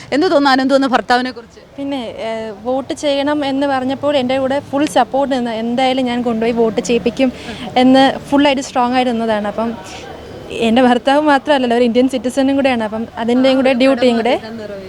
എന്ത് തോന്നുന്നു അനന്തു ഭർത്താവിനെ കുറിച്ച്? പിന്നെ വോട്ട് ചെയ്യണം എന്ന് പറഞ്ഞപ്പോൾ എൻ്റെ കൂടെ ഫുൾ സപ്പോർട്ട് നിന്ന് എന്തായാലും ഞാൻ കൊണ്ടുപോയി വോട്ട് ചെയ്യിപ്പിക്കും എന്ന് ഫുള്ളായിട്ട് സ്ട്രോങ് ആയിട്ട് നിന്നതാണ്. അപ്പം എൻ്റെ ഭർത്താവ് മാത്രമല്ലല്ലോ, ഒരു ഇന്ത്യൻ സിറ്റിസണും കൂടെയാണ്. അപ്പം അതിൻ്റെയും കൂടെ ഡ്യൂട്ടിയും കൂടെ.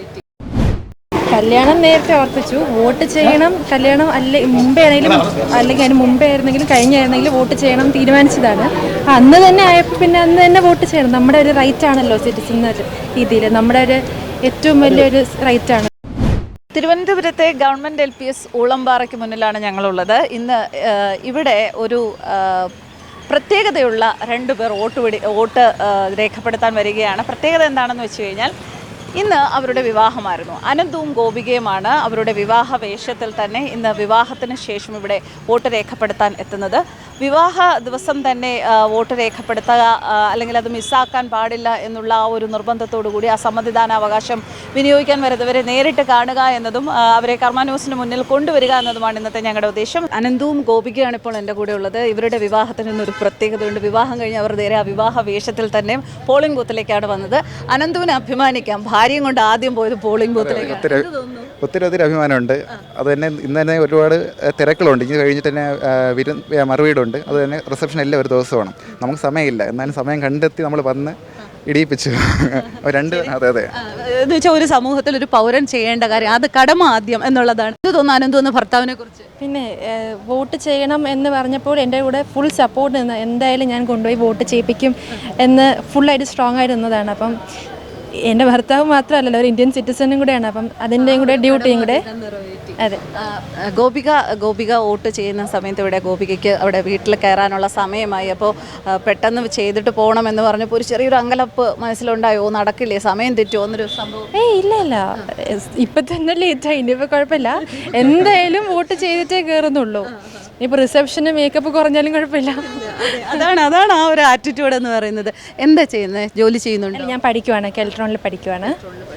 കല്യാണം നേരത്തെ ഉറപ്പിച്ചു, വോട്ട് ചെയ്യണം. കല്യാണം മുമ്പേ ആണെങ്കിലും അല്ലെങ്കിൽ അതിന് മുമ്പേ ആയിരുന്നെങ്കിലും കഴിഞ്ഞായിരുന്നെങ്കിലും വോട്ട് ചെയ്യണം തീരുമാനിച്ചതാണ്. അന്ന് തന്നെ ആയപ്പോൾ പിന്നെ അന്ന് തന്നെ വോട്ട് ചെയ്യണം. നമ്മുടെ ഒരു റൈറ്റ് ആണല്ലോ സിറ്റിസൺ രീതിയിൽ, നമ്മുടെ ഒരു ഏറ്റവും വലിയൊരു റൈറ്റാണ്. തിരുവനന്തപുരത്തെ ഗവൺമെൻറ് LPS ഊളംപാറയ്ക്ക് മുന്നിലാണ് ഞങ്ങളുള്ളത്. ഇന്ന് ഇവിടെ ഒരു പ്രത്യേകതയുള്ള 2 പേർ വോട്ട് രേഖപ്പെടുത്താൻ വരികയാണ്. പ്രത്യേകത എന്താണെന്ന് വെച്ച് കഴിഞ്ഞാൽ ഇന്ന് അവരുടെ വിവാഹമായിരുന്നു. അനന്തുവും ഗോപികയുമാണ് അവരുടെ വിവാഹ വേഷത്തിൽ തന്നെ ഇന്ന് വിവാഹത്തിന് ശേഷം ഇവിടെ വോട്ട് രേഖപ്പെടുത്താൻ എത്തുന്നത്. വിവാഹ ദിവസം തന്നെ വോട്ട് രേഖപ്പെടുത്തുക അല്ലെങ്കിൽ അത് മിസ്സാക്കാൻ പാടില്ല എന്നുള്ള ആ ഒരു നിർബന്ധത്തോടു കൂടി ആ സമ്മതിദാനാവകാശം വിനിയോഗിക്കാൻ വരുന്നവരെ നേരിട്ട് കാണുക എന്നതും അവരെ കർമ്മ ന്യൂസിന് മുന്നിൽ കൊണ്ടുവരിക എന്നതുമാണ് ഇന്നത്തെ ഞങ്ങളുടെ ഉദ്ദേശം. അനന്തുവും ഗോപികയാണ് ഇപ്പോൾ എൻ്റെ കൂടെ ഉള്ളത്. ഇവരുടെ വിവാഹത്തിന് ഇന്നൊരു പ്രത്യേകതയുണ്ട്. വിവാഹം കഴിഞ്ഞ് അവർ നേരെ ആ വിവാഹ വേഷത്തിൽ തന്നെ പോളിംഗ് ബൂത്തിലേക്കാണ് വന്നത്. അനന്തുവിനെ അഭിമാനിക്കാം, ഭാര്യയും കൊണ്ട് ആദ്യം പോയത് പോളിംഗ് ബൂത്തിലേക്ക്. ഒത്തിരി അഭിമാനമുണ്ട്. അത് തന്നെ ഇന്ന് തന്നെ ഒരുപാട് തിരക്കുകളുണ്ട്. ഇനി കഴിഞ്ഞിട്ട് തന്നെ മറുവീടുണ്ട്. അത് തന്നെ റിസപ്ഷൻ എല്ലാം ഒരു ദിവസമാണ്. നമുക്ക് സമയമില്ല, എന്നാലും സമയം കണ്ടെത്തി നമ്മൾ വന്ന് ഇടിയിപ്പിച്ചു. അതെ എന്ന് വെച്ചാൽ ഒരു സമൂഹത്തിൽ ഒരു പൗരൻ ചെയ്യേണ്ട കാര്യം അത് കടമ ആദ്യം എന്നുള്ളതാണ്. ഇത് തോന്നുന്നു അനന്തു ഭർത്താവിനെ കുറിച്ച്? പിന്നെ വോട്ട് ചെയ്യണം എന്ന് പറഞ്ഞപ്പോൾ എൻ്റെ കൂടെ ഫുൾ സപ്പോർട്ട് നിന്ന് എന്തായാലും ഞാൻ കൊണ്ടുപോയി വോട്ട് ചെയ്യിപ്പിക്കും എന്ന് ഫുള്ളായിട്ട് സ്ട്രോങ് ആയിട്ട് നിന്നതാണ്. അപ്പം എൻ്റെ ഭർത്താവ് മാത്രമല്ലല്ലോ, ഒരു ഇന്ത്യൻ സിറ്റിസണും കൂടെയാണ്. അപ്പം അതിൻ്റെയും കൂടെ ഡ്യൂട്ടിയും കൂടെ. അതെ. ഗോപിക വോട്ട് ചെയ്യുന്ന സമയത്ത് ഇവിടെ ഗോപികയ്ക്ക് അവിടെ വീട്ടിൽ കയറാനുള്ള സമയമായി. അപ്പോൾ പെട്ടെന്ന് ചെയ്തിട്ട് പോകണമെന്ന് പറഞ്ഞപ്പോൾ ഒരു ചെറിയൊരു അങ്കലപ്പ് മനസ്സിലുണ്ടായോ? നടക്കില്ലേ, സമയം തെറ്റുമോ എന്നൊരു സംഭവം? ഇല്ല, ഇപ്പം തന്നെ ലേറ്റായി. ഇനിയിപ്പോൾ കുഴപ്പമില്ല, എന്തായാലും വോട്ട് ചെയ്തിട്ടേ കയറുന്നുള്ളൂ. ഇപ്പോൾ റിസപ്ഷന് മേക്കപ്പ് കുറഞ്ഞാലും കുഴപ്പമില്ല. അതാണ് ആ ഒരു ആറ്റിറ്റ്യൂഡ് എന്ന് പറയുന്നത്. എന്താ ചെയ്യുന്നത്? ജോലി ചെയ്യുന്നുണ്ട്? ഞാൻ പഠിക്കുവാണ്, കെൽട്രോണിൽ പഠിക്കുവാണ്.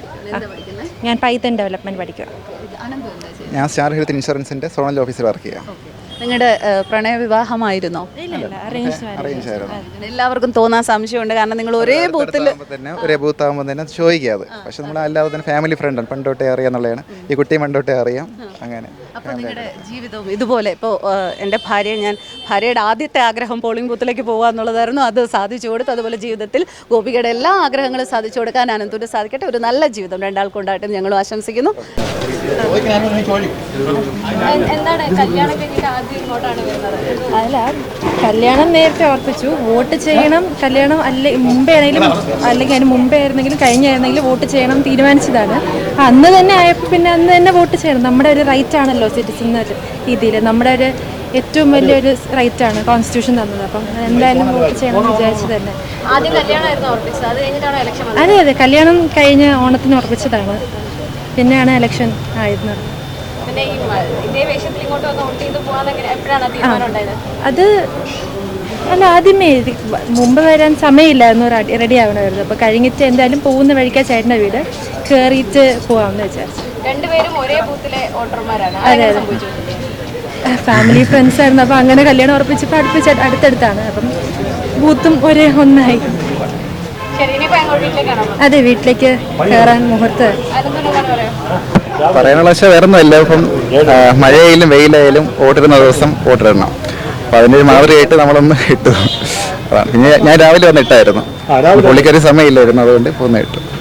ഞാൻ പൈത്തൺ ഡെവലപ്മെൻറ്റ് പഠിക്കുകയാണ്. ഞാൻ സ്റ്റാർ ഹെൽത്ത് ഇൻഷുറൻസിൻ്റെ സോണൽ ഓഫീസിൽ വർക്ക് ചെയ്യാം. നിങ്ങളുടെ പ്രണയവിവാഹമായിരുന്നോ? എല്ലാവർക്കും തോന്നാൻ സംശയമുണ്ട്, കാരണം നിങ്ങൾ ഒരേ ബൂത്താകുമ്പോൾ തന്നെ ചോദിക്കാതെ. പക്ഷെ നമ്മൾ അല്ലാതെ തന്നെ ഫാമിലി ഫ്രണ്ടാണ്, പണ്ടോട്ടേ അറിയാന്നുള്ളതാണ്. ഈ കുട്ടിയെ പണ്ടോട്ടേ അറിയാം. അങ്ങനെ അപ്പോൾ നിങ്ങളുടെ ജീവിതവും ഇതുപോലെ ഇപ്പോൾ എൻ്റെ ഭാര്യയുടെ ആദ്യത്തെ ആഗ്രഹം പോളിംഗ് ബൂത്തിലേക്ക് പോകുക എന്നുള്ളതായിരുന്നു. അത് സാധിച്ചു കൊടുത്തു. അതുപോലെ ജീവിതത്തിൽ ഗോപികയുടെ എല്ലാ ആഗ്രഹങ്ങളും സാധിച്ചു കൊടുക്കാൻ അനന്തുവിന് സാധിക്കട്ടെ. ഒരു നല്ല ജീവിതം രണ്ടാൾക്കുണ്ടായിട്ടും ഞങ്ങളും ആശംസിക്കുന്നു. എന്താണ് കല്യാണം കഴിഞ്ഞിട്ട് ആദ്യം ഇങ്ങോട്ടാണ് വരുന്നത്? അല്ല, കല്യാണം നേരത്തെ ഉറപ്പിച്ചു, വോട്ട് ചെയ്യണം. കല്യാണം മുമ്പേ ആണെങ്കിലും അല്ലെങ്കിൽ അതിന് മുമ്പേ ആയിരുന്നെങ്കിലും കഴിഞ്ഞായിരുന്നെങ്കിലും വോട്ട് ചെയ്യണം തീരുമാനിച്ചതാണ്. അന്ന് തന്നെ ആയപ്പോൾ പിന്നെ അന്ന് തന്നെ വോട്ട് ചെയ്യണം. നമ്മുടെ ഒരു റൈറ്റ് ആണല്ലോ സിറ്റിസൺ രീതിയിൽ, നമ്മുടെ ഒരു ഏറ്റവും വലിയൊരു റൈറ്റാണ് കോൺസ്റ്റിറ്റ്യൂഷൻ തന്നത്. അപ്പം എന്തായാലും വോട്ട് ചെയ്യണമെന്ന് വിചാരിച്ചത് തന്നെ. ആദ്യം കല്യാണമായിരുന്നു ഉറപ്പിച്ചത്, അത് കഴിഞ്ഞിട്ടാണ് ഇലക്ഷൻ? അതെ, കല്യാണം കഴിഞ്ഞ് ഓണത്തിന് ഉറപ്പിച്ചതാണ്, പിന്നെയാണ് ഇലക്ഷൻ ആയിരുന്നത്. പിന്നെ ഇതേ വേഷത്തിൽ ഇങ്ങോട്ട് വന്ന് വോട്ട് ചെയ്ത് പോകാൻ എപ്പോഴാണ് തീരുമാനം ഉണ്ടായത്? അത് ആദ്യമേ മുമ്പ് വരാൻ സമയമില്ലായിരുന്നു, റെഡി ആവണമായിരുന്നു. അപ്പോൾ കഴിഞ്ഞിട്ട് എന്തായാലും പോകുന്ന വഴിക്കാ ചേട്ടൻ്റെ വീട്, കയറിയിട്ട് പോകാമെന്ന് വിചാരിച്ചു. രണ്ടുപേരും ഒരേ ബൂത്തിലെ വോട്ടർമാരാണ്? അതെ, ഫാമിലി ഫ്രണ്ട്സ് ആയിരുന്നു. അപ്പോൾ അങ്ങനെ കല്യാണം ഉറപ്പിച്ചപ്പോൾ അടുത്തടുത്താണ്. അപ്പം ബൂത്തും ഒരേ ഒന്നായി. അതെ, വീട്ടിലേക്ക് കയറാൻ മുഹൂർത്ത്. പറയാനുള്ള പക്ഷേ വേറെ ഒന്നുമില്ല. ഇപ്പം മഴയായാലും വെയിലായാലും വോട്ടിടുന്ന ദിവസം വോട്ടിടണം. അപ്പം അതിൻ്റെ ഒരു മാതൃകയായിട്ട് നമ്മളൊന്ന് ഇട്ടു. പിന്നെ ഞാൻ രാവിലെ വന്ന് ഇട്ടായിരുന്നു, പുള്ളിക്കൊരു സമയമില്ലായിരുന്നു, അതുകൊണ്ട് പോന്ന് ഇട്ടു.